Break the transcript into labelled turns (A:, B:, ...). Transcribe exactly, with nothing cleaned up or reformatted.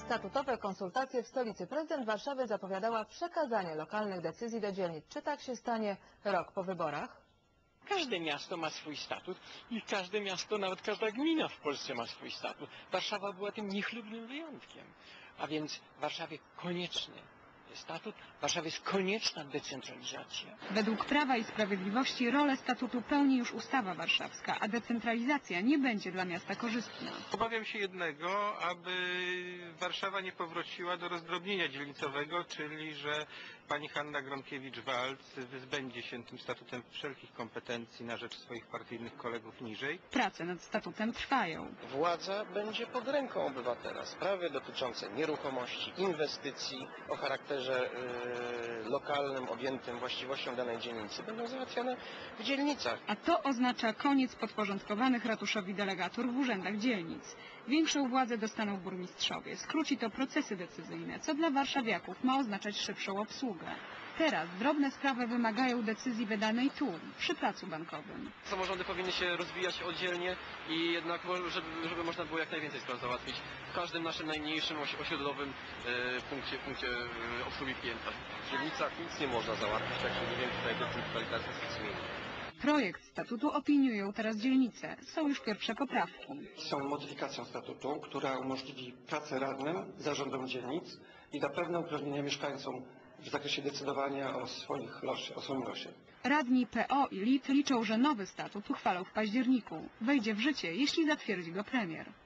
A: statutowe konsultacje w stolicy. Prezydent Warszawy zapowiadała przekazanie lokalnych decyzji do dzielnic. Czy tak się stanie rok po wyborach?
B: Każde miasto ma swój statut i każde miasto, nawet każda gmina w Polsce ma swój statut. Warszawa była tym niechlubnym wyjątkiem. A więc w Warszawie konieczny jest statut, w Warszawie jest konieczna decentralizacja.
C: Według Prawa i Sprawiedliwości rolę statutu pełni już ustawa warszawska, a decentralizacja nie będzie dla miasta korzystna.
D: Obawiam się jednego, aby Warszawa nie powróciła do rozdrobnienia dzielnicowego, czyli że pani Hanna Gronkiewicz-Waltz wyzbędzie się tym statutem wszelkich kompetencji na rzecz swoich partyjnych kolegów niżej.
C: Prace nad statutem trwają.
E: Władza będzie pod ręką obywatela. Sprawy dotyczące nieruchomości, inwestycji o charakterze yy, lokalnym, objętym właściwością danej dzielnicy będą załatwiane w dzielnicach.
C: A to oznacza koniec podporządkowanych ratuszowi delegatur w urzędach dzielnic. Większą władzę dostaną burmistrzowie. Skróci to procesy decyzyjne, co dla warszawiaków ma oznaczać szybszą obsługę. Teraz drobne sprawy wymagają decyzji wydanej tu, przy placu bankowym.
F: Samorządy powinny się rozwijać oddzielnie i jednak, żeby, żeby można było jak najwięcej spraw załatwić w każdym naszym najmniejszym osiedlowym e, punkcie, punkcie e, obsługi klienta.
G: W dzielnicach nic nie można załatwić, tak że nie wiem, tutaj decentralizacja się zmieni.
C: Projekt statutu opiniują teraz dzielnice. Są już pierwsze poprawki.
H: Są modyfikacją statutu, która umożliwi pracę radnym, zarządom dzielnic i da pewne uprawnienia mieszkańcom w zakresie decydowania o swoich losie, o swoim losie.
C: Radni P O i L I T liczą, że nowy statut uchwalą w październiku. Wejdzie w życie, jeśli zatwierdzi go premier.